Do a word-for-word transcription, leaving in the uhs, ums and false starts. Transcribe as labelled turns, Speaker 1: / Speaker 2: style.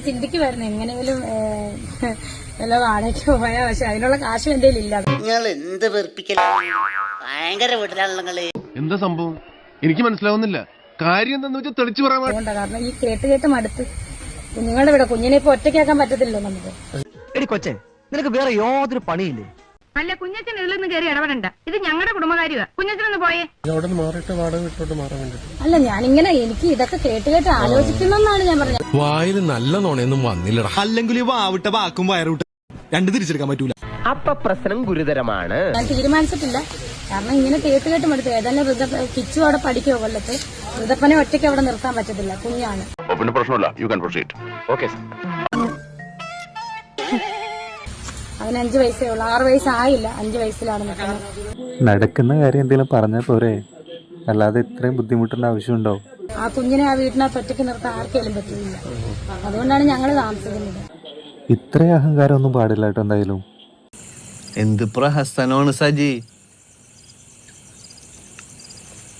Speaker 1: ചിന്തിക്കുമായിരുന്നു എങ്ങനെയെങ്കിലും വല്ല വാടകയ്ക്ക് പോയാ, പക്ഷെ അതിനുള്ള കാശും എന്റെ ഇല്ല.
Speaker 2: നിങ്ങൾ എന്ത് വെറുപ്പിക്കല, ഭയങ്കര വീട്ടിലാണല്ലോ.
Speaker 3: എന്താ സംഭവം എനിക്ക് മനസ്സിലാവുന്നില്ല. കാര്യം എന്താന്ന് വെച്ചാൽ തെളിച്ചു പറയാൻ.
Speaker 1: അതുകൊണ്ടാ, കാരണം ഈ കേട്ട് കേട്ട് മടുത്ത്. നിങ്ങളുടെ ഇവിടെ കുഞ്ഞിനെ ഇപ്പൊ ഒറ്റയ്ക്കാക്കാൻ പറ്റത്തില്ലല്ലോ നമുക്ക്.
Speaker 4: എടി കൊച്ചേ, നിനക്ക് വേറെ യാതൊരു പണിയില്ലേ?
Speaker 5: അല്ല, കുഞ്ഞച്ചൻ ഇതിലൊന്നും കയറി ഇടപെടണ്ട. ഇത് ഞങ്ങളുടെ കുടുംബകാര്യമാ. കുഞ്ഞച്ചനൊന്ന് പോയേ.
Speaker 1: അല്ല, ഞാനിങ്ങനെ എനിക്ക് ഇതൊക്കെ കേട്ട് കേട്ട് ആലോചിക്കുന്നെന്നാണ് ഞാൻ പറഞ്ഞത്.
Speaker 6: വായിൽ നല്ല നോണയൊന്നും വന്നില്ലടാ. അല്ലെങ്കിൽ വാവിട്ട വാക്കും വയറുവിട്ട രണ്ട് തിരിച്ചെടുക്കാൻ പറ്റൂല.
Speaker 4: അപ്പൊ പ്രശ്നം ഗുരുതരമാണ്.
Speaker 1: ഞാൻ തീരുമാനിച്ചിട്ടില്ല, കാരണം ഇങ്ങനെ കേട്ട് കേട്ട് മടുത്ത്. ഏതായാലും ഋത കിച്ചു അവിടെ പഠിക്കുവോ കൊല്ലത്ത്. ഋതപ്പനെ ഒറ്റയ്ക്ക് അവിടെ നിർത്താൻ പറ്റത്തില്ല, കുഞ്ഞാണ്.
Speaker 3: പിന്നെ പ്രശ്നമില്ല, യു ക്യാൻ പ്രൊസീഡ്.
Speaker 4: ഓക്കെ.
Speaker 1: അവന് അഞ്ചു വയസ്സേ ഉള്ളു, ആറ് വയസ്സായില്ല, അഞ്ചു വയസ്സിലാണ് നിൽക്കുന്നത്.
Speaker 7: നടക്കുന്ന കാര്യം എന്തെങ്കിലും പറഞ്ഞാൽ പോരെ, അല്ലാതെ ഇത്രയും ബുദ്ധിമുട്ടേണ്ട ആവശ്യമുണ്ടോ?
Speaker 1: ആ കുഞ്ഞിനെ ആ വീട്ടിനകത്ത് ഒറ്റയ്ക്ക് നിർത്താൻ ആർക്കെങ്കിലും പറ്റില്ല. അതുകൊണ്ടാണ് ഞങ്ങൾ താമസിക്കുന്നത്.
Speaker 7: ഇത്രയും അഹങ്കാരം ഒന്നും പാടില്ല കേട്ടോ. എന്തായാലും
Speaker 6: എന്ത് പ്രഹസനമാണ് സജി.